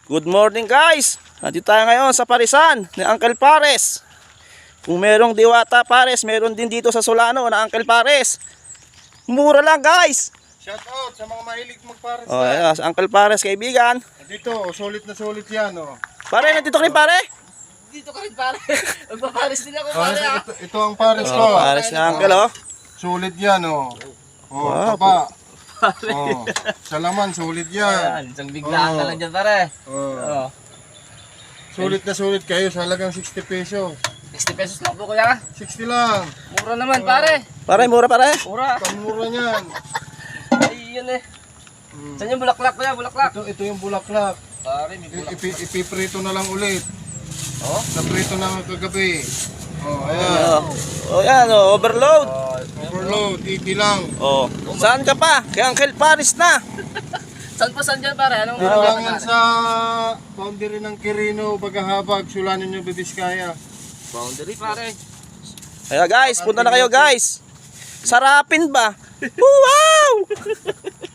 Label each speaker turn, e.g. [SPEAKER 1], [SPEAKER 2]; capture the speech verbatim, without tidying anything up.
[SPEAKER 1] Good morning guys! Nandito tayo ngayon sa Parisan ni Uncle Pares. Kung merong Diwata Pares, meron din dito sa Solano na Uncle Pares. Mura lang guys!
[SPEAKER 2] Shout out sa mga mahilig magpares.
[SPEAKER 1] Oh, ayan, sa Uncle Pares kaibigan.
[SPEAKER 2] Dito, solid na solid yan. Oh.
[SPEAKER 1] Pare, nandito ka rin pare?
[SPEAKER 3] Dito ka rin pare. Magpapares din ako
[SPEAKER 2] Oh,
[SPEAKER 3] pare ah.
[SPEAKER 2] ito, ito ang pares ko.
[SPEAKER 1] Oh, Pares na Uncle oh.
[SPEAKER 2] Solid yan oh. Oh,
[SPEAKER 1] Wow.
[SPEAKER 2] taba. Oh, sa laman, solid yan.
[SPEAKER 3] Ayan, isang biglaan ka
[SPEAKER 2] Oh.
[SPEAKER 3] lang dyan pare.
[SPEAKER 2] Oh.
[SPEAKER 3] Oh.
[SPEAKER 2] Solid na solid kayo sa halagang sixty pesos.
[SPEAKER 3] sixty pesos lang po kuya.
[SPEAKER 2] sixty lang.
[SPEAKER 3] Mura naman pare.
[SPEAKER 1] Pare, mura pare.
[SPEAKER 3] Mura.
[SPEAKER 2] Pamura niyan.
[SPEAKER 3] Ay yun eh. Saan yung bulaklak kuya? Bulaklak.
[SPEAKER 2] Ito, ito yung bulaklak.
[SPEAKER 3] Pare may
[SPEAKER 2] I-
[SPEAKER 3] bulaklak.
[SPEAKER 2] ipi- Ipiprito na lang ulit.
[SPEAKER 3] Oh?
[SPEAKER 2] Naprito na kagabi. Oh,
[SPEAKER 1] Oh,
[SPEAKER 2] ayan.
[SPEAKER 1] oh yan oh, overload.
[SPEAKER 3] Oh.
[SPEAKER 2] Overload, eighty lang.
[SPEAKER 1] Oh, saan ka pa? Kay Uncle Pares na.
[SPEAKER 3] Saan pa saan dyan pare? Anong
[SPEAKER 2] Kailangan sa boundary ng Quirino, Bagahabag, Sulanin nyo, Bibiskaya.
[SPEAKER 3] boundary pare.
[SPEAKER 1] Kaya guys, punta na kayo guys. Sarapin ba? Wow!